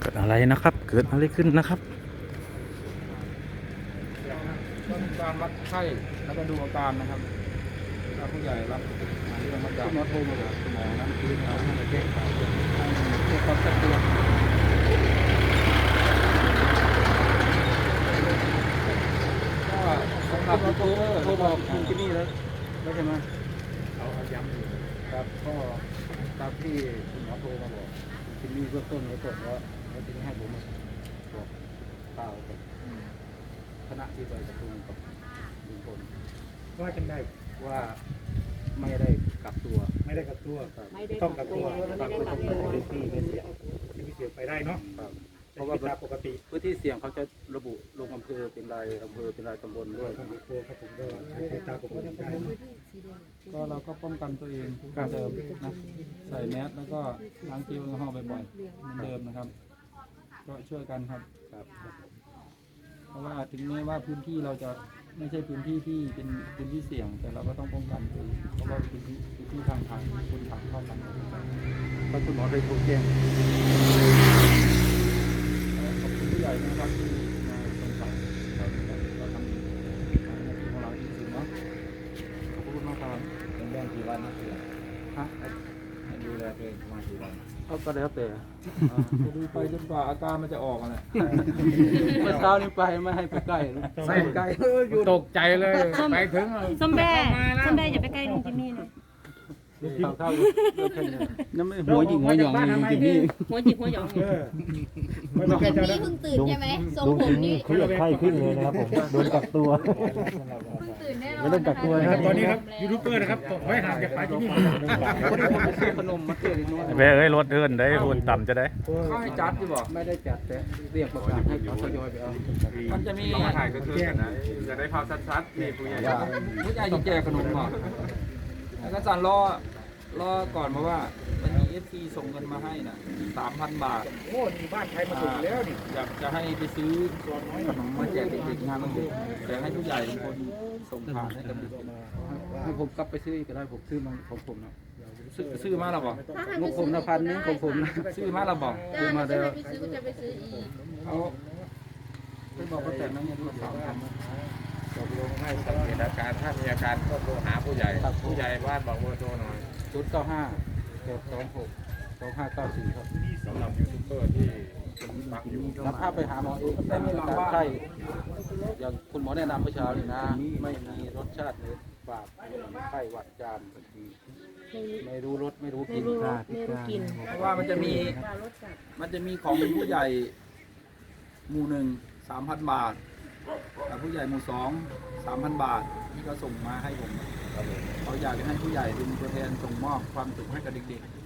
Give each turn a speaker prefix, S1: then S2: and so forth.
S1: เกิดอะไรนะครับ เกิดอะไรขึ้นนะครับ
S2: ก็มีการวัดไข้แล้วก็ดูอาการนะครับถ้าผู้ใหญ่รับเรื่องมาจากหมอโทรมาจากหมอนะคือให้แจ้งข่าวให้เช็คความชัดเจนก็สำหรับโทรบอกคุณที่นี่แล้วใช่ไหมเอาย้ำอยู่ครับก็ตามที่คุณหมอโทรมาบอกคุณที่นี่เบื้องต้นไว้ก่อนว่าแล้วทีนี้ให้ผมมาบอกเปล่ากับคณะที่ไปประชุมกับลุงพลว่าจังได้ว่าไม่ได้กักตัว
S3: ไม่ได้กักตัวต้องกักตัวพื้นที่ไม่เสี่ยงที่ไม่เสี่ยงไปได้เนาะเพราะว่าปกติ
S2: พื้นที่เสี่ยงเขาจะระบุลงอำเภอเป็นรายอำเภอเป็นรายตำบลด้วย
S3: ต้องกักตัวครับผมก็ใช้ตามปกติได้
S2: ก็เราก็ป้องกันตัวเองเหมือนเดิมนะใส่แมสแล้วก็ล้างเจลแอลกอฮอล์บ่อยๆเหมือนเดิมนะครับก็ช่วยกันครับเพราะว่าถึงแม้ว่าพื้นที่เราจะไม่ใช่พื้นที่ที่เป็นพื้นที่เสี่ยงแต่เราก็ต้องป้องกันตัวเองเพราะว่าพื้นที่ทางคนทางเข้ากันก็คุณหมอได้โทรแจ้งขอบคุณผู้ใหญ่นะครับที่มาสงสัยเราทำหน้าที่ของเราที่สุดเนาะขอบคุณมากครับ
S3: เป็นเรื่องกี่วันนะ
S2: ฮะ
S3: ดูแลตัวเองประมาณกี่วัน
S2: ก็แล้วแต่ดูไปจนกว่าอาการมันจะออกอ่ะเมื่อเช้านี้ไปไม่ให้ไปใกล้ใส่ใกล้อยู่
S3: ตกใจเลยไปถึง
S4: ส้มแบ่อย่าไปใกล้ลุงจิมมี่เลย
S2: เข้านั่นไม่หัวหยิงหัวหยองลุงจิมมี่
S4: หัวจิกหัวหยอง
S5: ลุงจิมมี่เพิ่งตื่นใช่ไหมทรงผมนี่
S1: เขาอยากไข้ขึ้นเลยนะครับผมโดนกักตัว
S5: เพิ่งตื่นแน่นอน
S1: ไม่ต้องกักตัวนะครับ
S3: ตอนนี้ครับยูทูบเบอร์นะครับไว้ห่างจากป่าที่นี่
S2: ขนมมาเตือนน้อย
S1: ไปเอ้ยรถเดินได้หุ่นต่ำจะได้
S2: เขาให้จัดที่บอกไม่ได้จัดแต่เรียกประกาศให้เขาทยอยไปเอามันจะมี
S6: ถ่ายก็คือกันนะจะได้ภาพชัดๆนี่ผู้ใหญ่
S2: จะแจกขนมก่อนแล้วก็สั่นรอก่อนเพราะว่ามันมี FC ส่งเงินมาให้นะ3,000 บาท
S3: โอ้นี่บ้านใครมาส่งแล้วนี่
S2: อยากจะให้ไปซื้อขนมมาแจกเด็กๆงานวันเด็กแต่ให้ผู้ใหญ่เป็นคนส่งผ่านให้กับเด็กให้ผมกลับไปซื้อก็ได้ผมซื้อมาของผมนะซื้อมาแล้วบอกงบผมนะ1,000นึงของผมนะซื้อมาแล้วบอก
S5: ซื้อมาแล้วไปซื้อก็จะไปซื้ออีก
S2: เอาไปบอกป้าแตนนั่นเนี่ยดู3,000
S6: ตกลงให้สังเกตอาการถ้ามีอาการก็โทรหาผู้ใหญ่บ้านบอกเบอร์โทรหน่อย
S2: 095-826-2594ครับ
S6: สำหรับยูทูบเบอร์ที่ฟังอยู่
S2: รับภาพไปหาหมอเองแต่มีอาการไข้อย่างคุณหมอแนะนำเมื่อเช้านี่นะไม่มีรสชาติในปากไข้หวัดจามไม่รู้รสไม่รู้กลิ่นเพราะว่ามันจะมีของผู้ใหญ่หมู่1 3,000 บาทผู้ใหญ่หมู่2 3,000 บาทที่เขาส่งมาให้ผมเขาอยากจะให้ผู้ใหญ่เป็นตัวแทนส่งมอบความสุขให้กับเด็กๆ